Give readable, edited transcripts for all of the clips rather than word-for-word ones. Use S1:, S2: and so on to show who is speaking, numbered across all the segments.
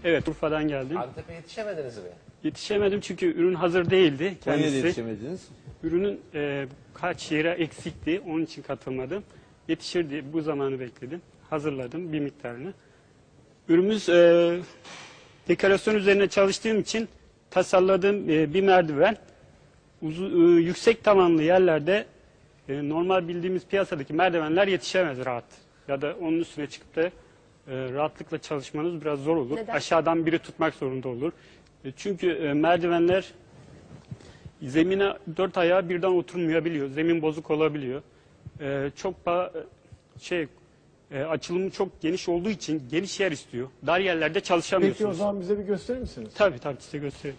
S1: Evet, Urfa'dan geldim.
S2: Antep'e yetişemediniz mi?
S1: Yetişemedim çünkü ürün hazır değildi
S3: Konya'da
S1: kendisi.
S3: yetişemediniz.
S1: Ürünün kaç yere eksikti, onun için katılmadım. Yetişir diye bu zamanı bekledim. Hazırladım bir miktarını. Ürünümüz dekorasyon üzerine çalıştığım için tasarladığım bir merdiven. Yüksek tavanlı yerlerde normal bildiğimiz piyasadaki merdivenler yetişemez rahat. Ya da onun üstüne çıkıp da rahatlıkla çalışmanız biraz zor olur.
S4: Neden?
S1: Aşağıdan biri tutmak zorunda olur. Çünkü merdivenler zemine dört ayağı birden oturmayabiliyor. Zemin bozuk olabiliyor. Açılımı çok geniş olduğu için geniş yer istiyor. Dar yerlerde çalışamıyorsunuz.
S5: Peki o zaman bize bir gösterir misiniz?
S1: Tabii size göstereyim.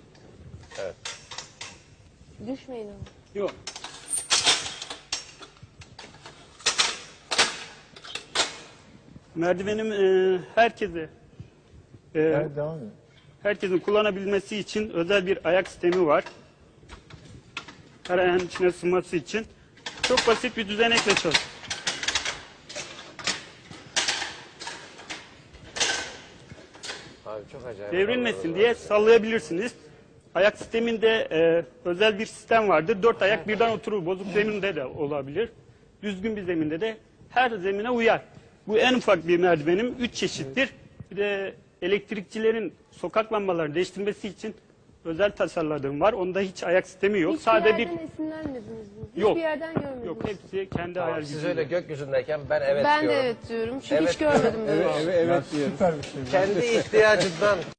S4: Düşmeyin ama.
S1: Yok. Merdivenim herkese
S5: Evet, devam edin.
S1: herkesin kullanabilmesi için özel bir ayak sistemi var. Her ayağın içine sığması için çok basit bir düzenekle çalışıyor.
S2: Abi çok acayip.
S1: Devrilmesin diye sallayabilirsiniz. Ayak sisteminde özel bir sistem vardır. Dört ayak birden oturur. Bozuk zeminde de olabilir. Düzgün bir zeminde de her zemine uyar. Bu en ufak bir merdivenim. 3 çeşittir. Bir de elektrikçilerin sokak lambalarını değiştirmesi için özel tasarladığım var. Onda hiç ayak sistemi yok.
S4: Hiçbir
S1: Sadece bir
S4: yerden esinlenmediniz mi? Hiçbir
S1: Yok.
S4: yerden görmediniz
S1: yok
S4: mi?
S1: hepsi kendi
S2: Tamam,
S1: ayar
S2: siz
S1: gücüyle.
S2: öyle gökyüzündeyken ben evet
S4: Ben de
S2: diyorum.
S4: evet diyorum. Çünkü
S2: Evet
S4: hiç görmedim böyle.
S5: Evet, evet diyoruz. Süper bir şey.
S2: Kendi ihtiyacından